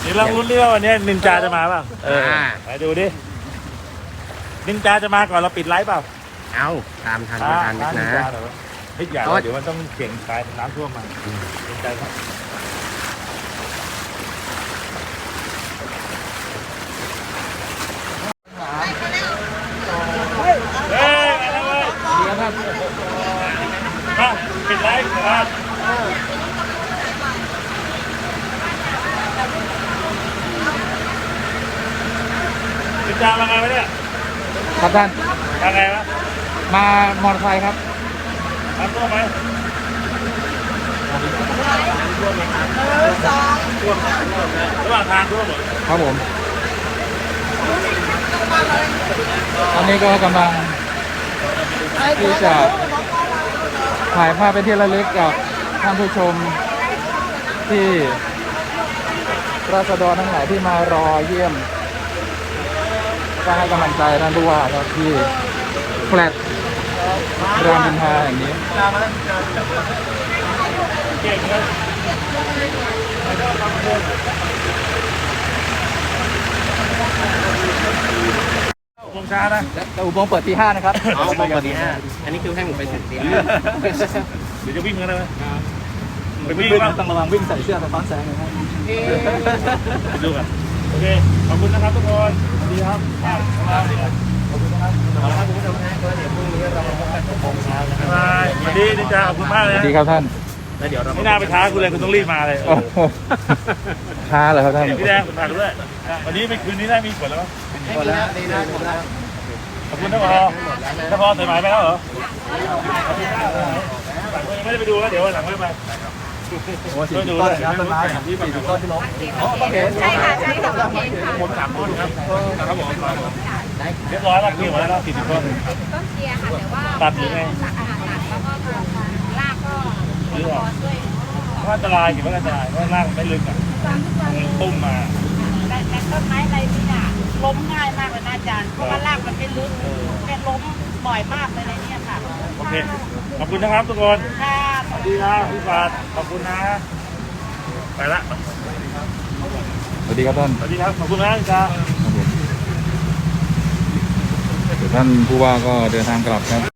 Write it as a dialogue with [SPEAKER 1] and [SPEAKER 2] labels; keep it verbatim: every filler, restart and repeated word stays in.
[SPEAKER 1] ดี๋ยวลองลุ้นดิว่าวันนี้นินจาจะมาเปล่าเออไปดูดินินจาจะมาก่อนเราปิดไลฟ์เปล่า
[SPEAKER 2] เอาตามทันไม่ทันนะ
[SPEAKER 1] เฮ้ยอย่าเดี๋ยวมันต้องเสี่ยงตายน้ำท่วมมานินจาครับเฮ้ยอะไรวะเดี๋ยวครับมาปิดไลฟ์ครับนินจามาไงวะเนี่ย
[SPEAKER 3] ครับท่าน
[SPEAKER 1] มาไงวะ
[SPEAKER 3] มามอเตอร์ไซค์ครับ
[SPEAKER 1] น้ำท่วมไหมระหว่างทางท่วมหมด
[SPEAKER 3] ครับผมตอนนี้ก็กำลังที่จะถ่ายภาพเป็นที่ระลึกกับท่านผู้ชมที่ราษฎรทั้งหลายที่มารอเยี่ยมก็ให้กำลังใจท่านผู้ว่าครับที่แฟลตรามอินทราอย่างนี้
[SPEAKER 1] เก่งเลยอุโมงค์ช้านะ
[SPEAKER 3] แต่อุโมงค์เปิดตีห้านะครับ
[SPEAKER 2] อ๋ออุโมงค์เปิดตีห้าอันนี้คือให้ผมไปถึงตีห้า
[SPEAKER 1] เดี๋ยวจะวิ่งกันได้ไหม
[SPEAKER 3] ไปวิ่งต้องระวังวิ่งใส่เสื้อสะท้อนแสงนะครับ
[SPEAKER 1] ไปดูกันโอเคขอบคุณนะครับทุกคนสวัสดีครับขอบคุณนะครับขอบคุณทุกท่านก็เดี๋ยวพรุ่งนี้เรามาพบกันที่โมงเช้านะครับสวัสดีนินจาขอบคุณมากเลย
[SPEAKER 3] สวัสดีครับท่าน
[SPEAKER 2] แล้วเดี๋ยวเรา
[SPEAKER 1] ไม่น่าไปท้าคุณเลยคุณต้องรีบมาเลย
[SPEAKER 3] ท้าเลยครับท่าน
[SPEAKER 1] พี่แดงฝากด้วยวันนี้ไปคืนนี้ได้มีผลแล้วมั้ย
[SPEAKER 2] หมดแล้วดีนะหมดแล้ว
[SPEAKER 1] ขอบคุณนะพอถ้าพอใส่หมายไปแล้วเหรอไม่ได้ไปดูแล้วเดี๋ยวหลังไม่ไป
[SPEAKER 3] โอ้สี่สิบต้นครับต้นไม้ที่สี่สิบต้นที่ล้มอ๋อโอเค
[SPEAKER 4] ใช่ค่ะใช่ค่ะโอเคค่ะ
[SPEAKER 1] ผมสามต้นครับครับผมเรียบร้อยแล้วคิวมาแล้วสี่สิบต้น
[SPEAKER 4] ต้นเชียร์ค่ะแต่ว่า
[SPEAKER 1] ตัดหรือไง
[SPEAKER 4] ตัดอาหารตัดแล้วก็ลากก็
[SPEAKER 1] หรือว่าอันตรายกี่ว่าอันตรายเพราะรากไม่ลึกอ่ะตุ้มมา
[SPEAKER 4] แต่แต่ต้นไม้อะไรนี่น่ะล้มง่ายมากเลยนะอาจารย์เพราะว่ารากมันไม่ลึกแกล้มบ่อยมากเลยในนี้ค่ะ
[SPEAKER 1] โอเคขอบคุณนะครับทุกคนสวัสดีครับพี่ฟาดขอบคุณนะไปละ
[SPEAKER 3] สวัสดีครับท่าน
[SPEAKER 1] สวัสดีครับขอบคุณนะจ้า
[SPEAKER 3] ท่านผู้ว่าก็เดินทางกลับครับ